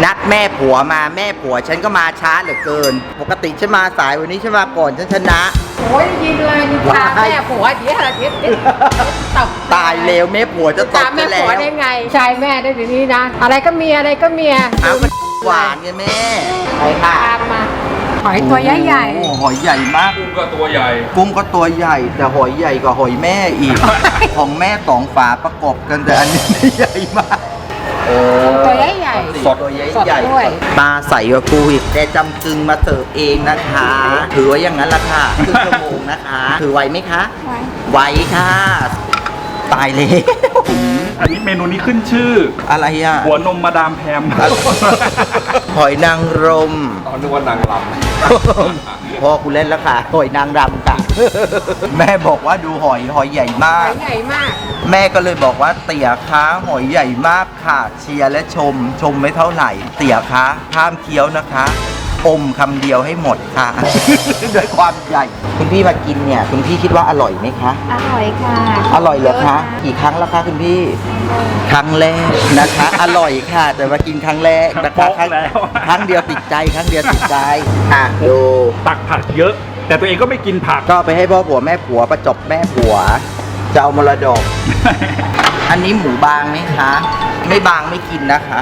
นัดแม่ผัวมาแม่ผัวฉันก็มาช้าเหลือเกิน ปกติฉันมาสายวันนี้ฉันมาก่อนฉันชนะโอ้ยยินเลยนินทาแม่ผัวเดี๋ยวอะไรตบตายเร็วแม่ผัวจะตบแม่แล้ผัววได้ไงชายแม่ได้ทีนี้นะอะไรก็เมียอะไรก็เมียเอามันหวานกันแม่ไปค่ะตามมาหอยตัวใหญ่โอ้หอยใหญ่มากกุ้งก็ตัวใหญ่กุ้งก็ตัวใหญ่แต่หอยใหญ่กว่าหอยแม่อีก ของแม่2 ฝาประกบกันแต่อันนี้ใหญ่มากตัวใหญ่สดตัวใหญ่ปลาใสกว่ากูอีกแต่จำกึงมาเสิร์ฟเองนะคะ ถือว่าอย่างนั้นละค่ะครึ่งชั่วโมงนะคะ ถือไหวไหมคะไหวค่ะตายเลยอันนี้เมนูนี้ขึ้นชื่ออะไรอ่ะหัวนมมาดามแพมหอยนางรมตอนนึกว่านางรพ่อกูเล่นแล้วค่ะหอยนางรำค่ะ แม่บอกว่าดูหอยใหญ่มาหกอยใหญ่มากแม่ก็เลยบอกว่าเตี๋ยคะหอยใหญ่มากค่ะ เชียร์และชมไม่เท่าไหร่ เตี๋ยคะห้ามเคี้ยวนะคะอมคำเดียวให้หมดค่ะ ด้วยความใหญ่ คุณพี่มากินเนี่ยคุณพี่คิดว่าอร่อยไหมคะอร่อยค่ะอร่อยเหรอคะกี่ครั้งแล้วคะคุณพี่ ครั้งแรกนะคะ อร่อยค่ะ แต่มากินครั้งแรกนะคะครั้งเดียวติดใจครั้งเดียวติดใจอ่ะดูำตักผักเยอะ แต่ตัวเองก็ไม่กินผักก็ไปให้พ่อผัวแม่ผัวประจบแม่ผัวจะเอามรดก อันนี้หมูบางไหมคะ ไม่บางไม่กินนะคะ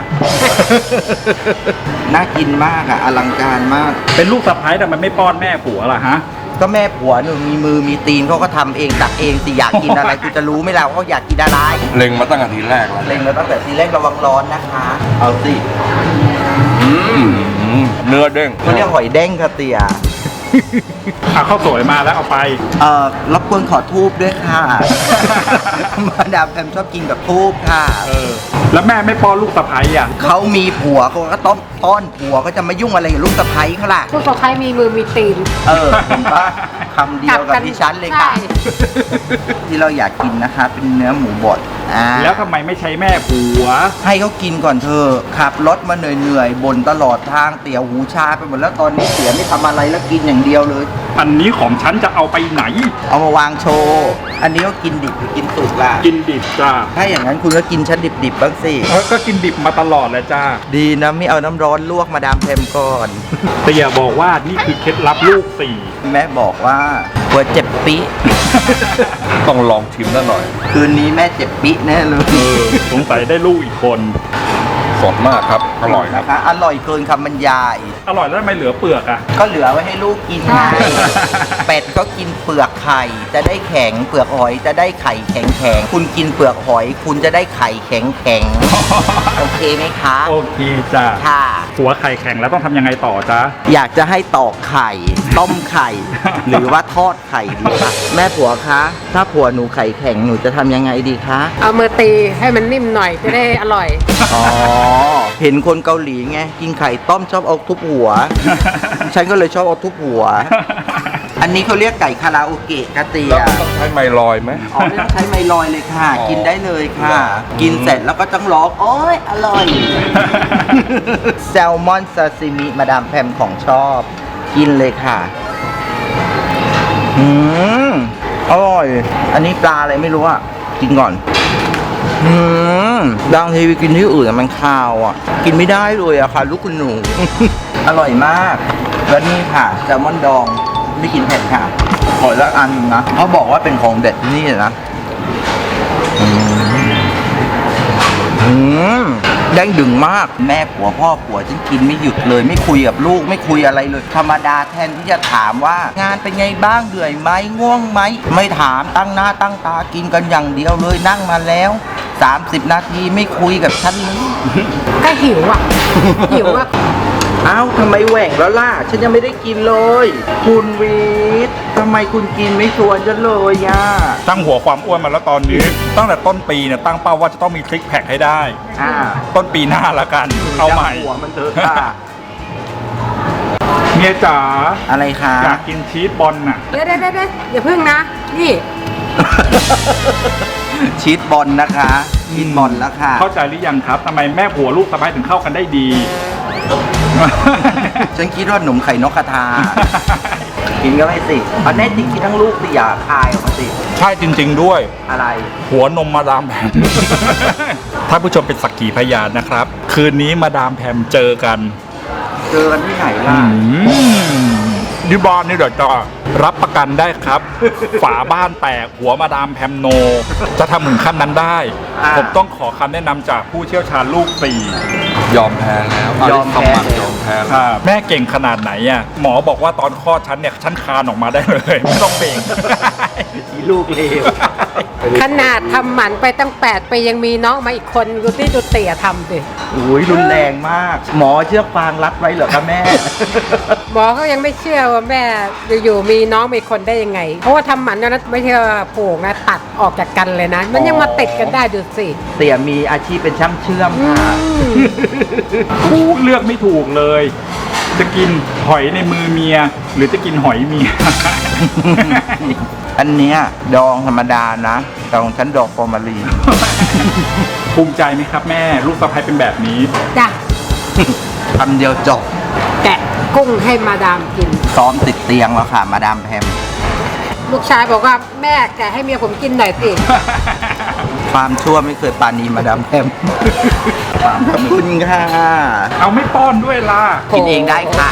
น่ากินมากอะอลังการมากเป็นลูกสะใภ้แต่มันไม่ป้อนแม่ผัวล่ะฮะก็แม่ผัวหนูมีมือมีตีนเขาก็ทำเองตักเองสิอยากกินอะไร กูจะรู้ไหมล่ะว่าเขาอยากกินอะไรเล็งมาตั้งแต่ทีแรกแล้วเล็งมาตั้งแต่ทีแรกระวังร้อนนะคะ เอาสิเนื้อเด้งเขาเรียกหอยเด้งค่ะเตี่ยข้าวสวยมาแล้วเอาไปรบกวนขอทูบด้วยค่ะ มาดามแพมชอบกินกับทูบค่ะแล้วแม่ไม่ป้อนลูกสะใภ้อ่ะเขามีผัวเขาก็ต้องต้อนผัวเขาจะมายุ่งอะไรกับลูกสะใภ้เขาล่ะลูกสะใภ้มีมือมีตีนเห็นปะคำเดียวกับดิฉันเลยค่ะใช่ที่เราอยากกินนะคะ เป็นเนื้อหมูบดแล้วทำไมไม่ใช้แม่ผัวให้เขากินก่อนเธอะขับรถมาเหนื่อยๆบ่นตลอดทางเตี๋ยวหูชาไปหมดแล้วตอนนี้เสียไม่ทำอะไรแล้วกินอย่างเดียวเลยอันนี้ของฉันจะเอาไปไหนเอามาวางโชว์อันนี้ก็กินดิบหรือกินสุกล่ะกินดิบจ้าถ้าอย่างนั้นคุณก็กินชั้นดิบๆบ้างสิก็กินดิบมาตลอดเลยจ้าดีนะไม่เอาน้ำร้อนลวกมาดามแพมก่อนแต่อย่าบอกว่านี่คือเคล็ดลับลูกสี่แม่บอกว่าหัวเจ็บปิต้องลองชิมซะหน่อยคืนนี้แม่เจ็บปิแน่เลยสงสัยได้ลูกอีกคนสดมากครับ อร่อยครับนะคะอร่อยเกินคำบรรยายอร่อยแล้วทำไมเหลือเปลือกอ่ะก็เหลือไว้ให้ลูกกินไง เป็ดก็กินเปลือกไข่จะได้แข็งเปลือกหอยจะได้ไข่แข็งแข็งคุณกินเปลือกหอย คุณจะได้ไข่แข็งแข็งโอเคไหมคะโอเคจ้าค่ะหัวไข่แข็งแล้วต้องทำยังไงต่อจ้าอยากจะให้ตอกไข่ ต้มไข่ หรือว่าทอดไข่ดีคะแม่ผัวคะถ้าผัวหนูไข่แข็งหนูจะทำยังไงดีคะเอามือตีให้มันนิ่มหน่อยจะได้อร่อยอ๋อ เห็นคนเกาหลีไงกินไข่ต้มชอบเอาทุบหัว ฉันก็เลยชอบเอาทุบหัว อันนี้เขาเรียกไก่คาราโอเกะกะเตียแล้วต้องใช้ไมลอยไหมอ๋อไม่ต้องใช้ไมลอยเลยค่ะอ๋อกินได้เลยค่ะ กินเสร็จแล้วก็ต้องร้องโอ๊ยอร่อย แซลมอนซาซิมิมาดามแพมของชอบ กินเลยค่ะอร่อย อันนี้ปลาอะไรไม่รู้อ่ะ กินก่อนบางทีไปกินที่อื่นอะมันคาวอ่ะ กินไม่ได้เลยอะค่ะ ลูกคุณหนู อร่อยมาก แล้วนี่ค่ะแซลมอนดองไม่กินเผ็ดค่ะขอละอันหนึ่งนะเขาบอกว่าเป็นของเด็ดที่นี่เลยนะแดงดึงมากแม่ผัวพ่อผัวฉันกินไม่หยุดเลยไม่คุยกับลูกไม่คุยอะไรเลย ธรรมดาแทนที่จะถามว่างานเป็นไงบ้างเหนื่อยไหมง่วงไหมไม่ถามตั้งหน้าตั้งตากินกันอย่างเดียวเลยนั่งมาแล้ว30 นาทีไม่คุยกับฉันเลยก็หิวอ่ะ หิวอ่ะอ้าวทำไมแหว่งแล้วล่ะฉันยังไม่ได้กินเลยคุณวีททำไมคุณกินไม่ชวนฉันเลยอ่ะตั้งหัวความอ้วนมาแล้วตอนนี้ ตั้งแต่ต้นปีเนี่ยตั้งเป้าว่าจะต้องมีซิกแพคให้ได้ ต้นปีหน้าละกัน เอาใหม่หัวมันเถอะค่ะเมียจ๋าอะไรคะอยากกินชีสบอลน่ะเดี๋ยวอย่าพึ่งนะ นี่ชีสบอลนะคะชีสบอลแล้วค่ะเข้าใจหรือยังครับทำไมแม่ผัวลูกสะใภ้ถึงเข้ากันได้ดีฉันคิดว่าหนุ่มไข่นกกระทา กินก็ไม่สิเอาแน่จริงกินทั้งลูกสิอย่าคายออกมาสิใช่จริง ๆด้วยอะไรหัวนมมาดามแผงถ้าผู้ชมเป็นสักขีพยานนะครับ คืนนี้มาดามแพมเจอกันเจอกันที่ไหนล่ะดิบอนนี่เดี๋ยวจะรับประกันได้ครับ ฝาบ้านแตกหัวมาดามแพมโน จะทำถึงขั้นนั้นได้ ผมต้องขอคำแนะนำจากผู้เชี่ยวชาญลูกสี่ยอมแพ้แล้วยอมแพ้คำมันยอมแพ้แล้วแม่เก่งขนาดไหนอ่ะหมอบอกว่าตอนคลอดฉันเนี่ยฉันคลานออกมาได้เลย ไม่ต้องเบ่งอีลูกเลวขนาดทำหมันไปตั้ง8 ปียังมีน้องมาอีกคนดูที่ดูเตี่ยทำสิอุ้ยรุนแรงมาก หมอเชือกฟางรัดไว้เหรอคะแม่หมอเขายังไม่เชื่อว่าแม่อยู่ๆมีน้องมีคนได้ยังไง เพราะว่าทำหมันตอนนั้นไม่ใช่ว่าผูกนะตัดออกจากกันเลยนะ มันยังมาติดกันได้ดูสิเตี่ยมีอาชีพเป็นช่างเชื่อมค่ะกูเลือกไม่ถูกเลย จะกินหอยในมือเมีย หรือจะกินหอยเมียอันเนี้ยดองธรรมดานะแต่ของฉันดอกฟอร์มาลีนภูมิใจไหมครับแม่ ลูกสะใภ้เป็นแบบนี้จ้ะคำเดียวจบแกะกุ้งให้มาดามกินซ้อมติดเตียงแล้วค่ะ มาดามแพมลูกชายบอกว่าแม่แกะให้เมียผมกินหน่อยสิความชั่วไม่เคยปราณีมาดามแพม ขอบคุณค่ะเอาไม่ป้อนด้วยล่ะกินเองได้ค่ะ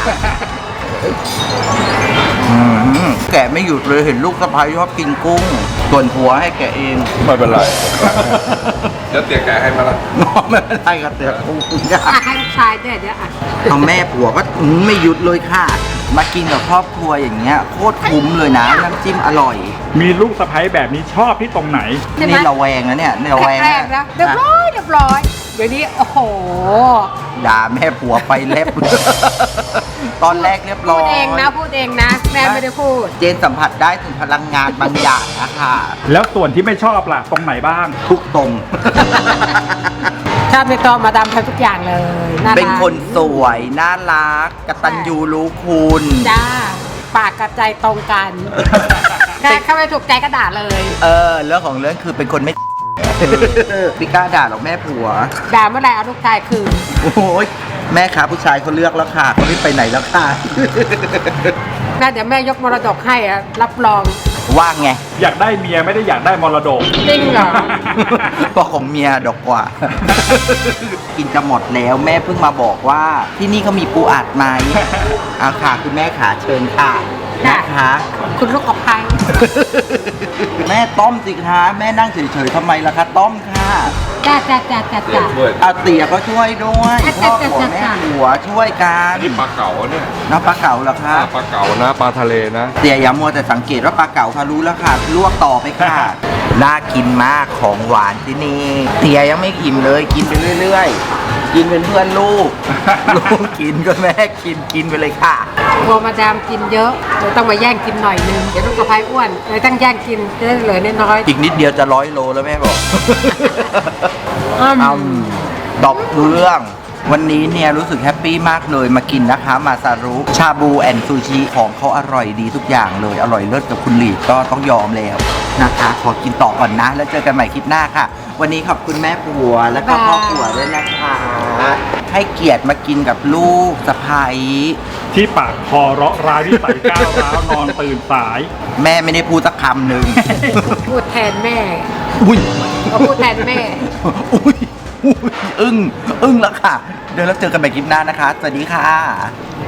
แกะไม่หยุดเลยเห็นลูกสะพ้ายชอบกินกุ้ง ส่วนผัวให้แกะเองไม่เป็นไร เดี๋ยวเตี๋ยแกให้มาละไม่เป็นไรครับแต่กุ้งอ่ะให้ลูกชายด้วยเดี๋ยวอ่ะเอาแม่ผัวก็ไม่หยุดเลยค่ะ มากินกับครอบครัวอย่างเงี้ยโคตรคุ้มเลยนะน้ำจิ้มอร่อยมีลูกสะใภ้แบบนี้ชอบที่ตรงไหนใช่ไหมนี่ระแวงนะเนี่ยระแวงแรกๆนะเรียบร้อยเรียบร้อยเดี๋ยวนี้โอ้โหด่าแม่ผัวไปเล็บ ตอนแรกเรียบร้พูอยดเองนะพูดเองนะ แม่ไม่ได้พูดเจนสัมผัสได้ถึงพลังงานบางอย่างนะคะแล้วส่วนที่ไม่ชอบล่ะ ตรงไหนบ้างทุกตรงชอบในตัวมาดามทำทุกอย่างเลยน่ารักเป็นคนสวยน่ารักกตัญญูรู้คุณจ้าปากกับใจตรงกันแต่เข้าไปถูกใจก็ด่าเลยเรื่องของเรื่องคือเป็นคนไม่ พี่กล้าด่าหรอกแม่ผัวด่าเมื่อไหร่เอาลูกชายคืนโอ้ยแม่ขาผู้ชายเขาเลือกแล้วค่ะเขาไม่ไปไหนแล้วค่ะแม่เดี๋ยวแม่ยกมรดกให้อะรับรองว่างไงอยากได้เมียไม่ได้อยากได้มรดกจริงเหรอก็ของเมียดอกกว่า กินจะหมดแล้วแม่เพิ่งมาบอกว่า ที่นี่เขามีปูอัดไหมเอาค่ะคุณแม่ขาเชิญค่ะนะคะคุณลูกกับใครแม่ต้มสิคะแม่นั่งเฉยๆทำไมล่ะคะต้มค่ะจ้าจ้าจ้าจ้าเตี๋ยจ้าช่วยเอาเตี๋ยก็ช่วยด้วยอ่ะพ่อผัวจ้ะแม่จ้ะผัวช่วยกันนี่ปลาเก๋าเนี่ยน้ำปลาเก๋าเหรอคะปลาเก๋านะปลาทะเลนะเตี๋ยอย่ามัวแต่สังเกตว่าปลาเก๋าค่ะรู้แล้วค่ะลวกต่อไปค่ะ น่ากินมากของหวานที่นี่เตี๋ยยังไม่อิ่มเลยกินไปเรื่อยๆ กินเป็นเพื่อนลูก ลูกกินก็แม่กินไปเลยค่ะกลัวมาดามกินเยอะเดี๋ยวต้องมาแย่งกินหน่อยนึงเดี๋ยวลูกกับใครอ้วนเลยต้องแย่งกินจะได้เหลือน้อยอีกนิดเดียวจะ100 โลแล้วแม่บอกๆตอบเรื่องวันนี้เนี่ยรู้สึกแฮปปี้มากเลยมากินนะคะ มาซารุชาบูแอนซูชิของเขาอร่อยดีทุกอย่างเลย อร่อยเลิศกับคุณหลีดก็ต้องยอมแล้วนะคะ ขอกินต่อก่อนนะ แล้วเจอกันใหม่คลิปหน้าค่ะ วันนี้ขอบคุณแม่ผัวแล้วก็พ่อผัวด้วยนะคะ ให้เกียรติมากินกับลูกสะใภ้ที่ปากคอเราะร้ายวิสัยก้าวร้าวนอนตื่นสายแม่ไม่ได้พูดสักคำหนึ่งพูดแทนแม่อุ้ยเขาพูดแทนแม่อุ้ยอึ้งแล้วค่ะ เดี๋ยวเราเจอกันใหม่คลิปหน้านะคะ สวัสดีค่ะ